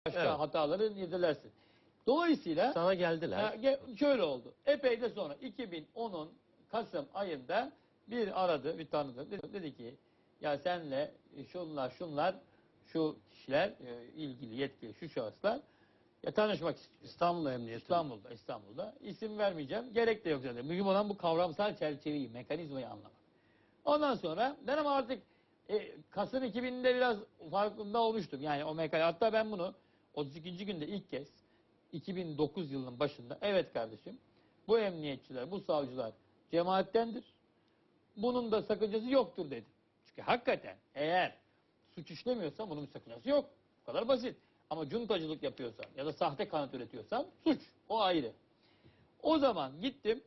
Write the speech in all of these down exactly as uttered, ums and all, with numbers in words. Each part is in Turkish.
başka Evet. hataları yedilersin. Dolayısıyla Sana geldiler. e, şöyle oldu. Epey de sonra iki bin onun Kasım ayında bir aradı, bir tanıdı. Dedi, dedi ki ya senle şunlar şunlar şu kişiler e, ilgili yetkili şu şahıslar ya tanışmak istiyor. İstanbul Emniyeti. İstanbul'da, İstanbul'da. İsim vermeyeceğim. Gerek de yok zaten. Mühim olan bu kavramsal çerçeveyi, mekanizmayı anlamak. Ondan sonra ben ama artık e, Kasım iki binde biraz farkında olmuştum. Yani o mekan. Hatta ben bunu otuz ikinci günde ilk kez iki bin dokuz yılının başında evet kardeşim bu emniyetçiler, bu savcılar cemaattendir. Bunun da sakıncası yoktur dedim. Çünkü hakikaten eğer suç işlemiyorsam bunun bir sakıncası yok. Bu kadar basit. Ama cuntacılık yapıyorsam ya da sahte kanıt üretiyorsam suç. O ayrı. O zaman gittim.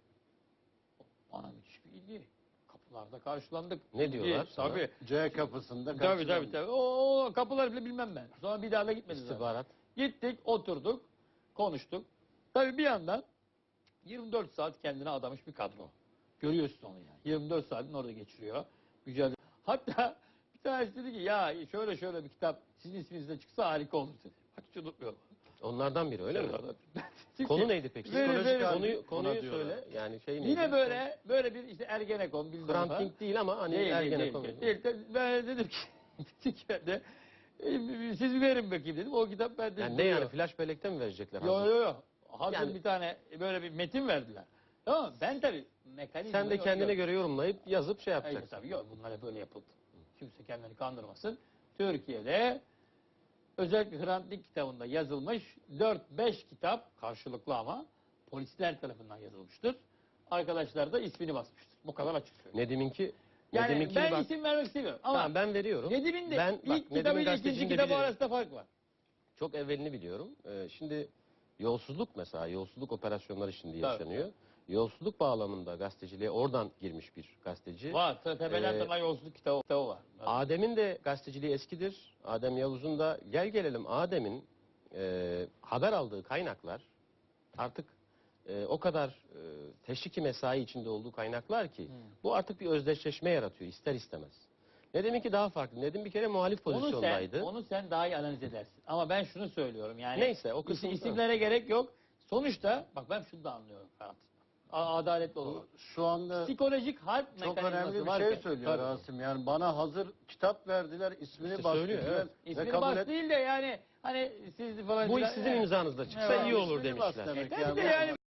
Bana müthiş bir ilgi. Kapılarda karşılandık. Ne diyorlar sana? Tabii. C kapısında Tabii karşılandı. tabii tabii. O, o kapıları bile bilmem ben. Sonra bir daha da gitmedim. zaten. İstihbarat. Gittik, oturduk, konuştuk. Tabii bir yandan yirmi dört saat kendine adamış bir kadro. Görüyorsun onu yani. yirmi dört saatini orada geçiriyor. Mücadele. Hatta bir tanesi dedi ki ya şöyle şöyle bir kitap sizin isminizde çıksa harika olur dedi. Bak hiç unutmuyorum. Onlardan biri öyle mi? Çünkü Konu neydi peki? Verin, Psikolojik verin. konuyu, Ona konuyu diyorlar. söyle. Yani şey neydi? Yine böyle böyle bir işte Ergenekon bilmem Hrant falan. Dink değil ama hani Değil, değil, Ergenekon. değil, değil. De- Ben dedim ki ben de, e, siz verin bakayım dedim. O kitap bende Yani ne duruyor. yani flash bellekte mi verecekler? Yo hazır? yo yo. Hazır Yani- bir tane böyle bir metin verdiler. Tamam mı? Ben tabii mekanizma Sen de kendine göre yorumlayıp yazıp şey Hayır, yapacaksın. tabii yok. Bunlar hep böyle yapıldı. Kimse kendini kandırmasın. Türkiye'de özellikle Hrant Dink kitabında yazılmış dört beş kitap karşılıklı ama polisler tarafından yazılmıştır. Arkadaşlar da ismini basmıştır. Bu kadar açık söylüyorum. Nedim'inki Yani Nedim'inkini ben bak. isim vermek istemiyorum ama Tamam ben veriyorum. Nedim'in de ben, ilk bak, Nedim'in kitabıyla ikinci gazeteciliğini de kitabı bilirim. arasında fark var. Çok evvelini biliyorum. Ee, şimdi yolsuzluk mesela, yolsuzluk operasyonları şimdi Tabii. yaşanıyor. Yolsuzluk bağlamında gazeteciliğe oradan girmiş bir gazeteci. Var. Tepeden Ee, tırnağa yolsuzluk kitabı, kitabı var. Evet. Adem'in de gazeteciliği eskidir. Adem Yavuz'un da gel gelelim Adem'in e, haber aldığı kaynaklar artık e, o kadar e, teşviki mesai içinde olduğu kaynaklar ki Hmm. bu artık bir özdeşleşme yaratıyor ister istemez. Nedim'inki daha farklı. Nedim bir kere muhalif Onu sen, pozisyondaydı. onu sen daha iyi analiz edersin. Ama ben şunu söylüyorum yani. Neyse, o kısım- is- isimlere gerek yok. Sonuçta bak ben şunu da anlıyorum Ferhat. A- Adaletli olalım. Şu anda Psikolojik harp çok mekanizması önemli bir varken- şey söylüyor Tabii. Rasim. Yani bana hazır kitap verdiler, ismini İşte bas söylüyor, dediler evet. ve İsmini kabul bas et. değil de yani hani siz falan Bu iş filan- sizin Evet. imzanızda çıksa Evet. iyi olur İsmini bas demişler. demek Tabii yani. de yani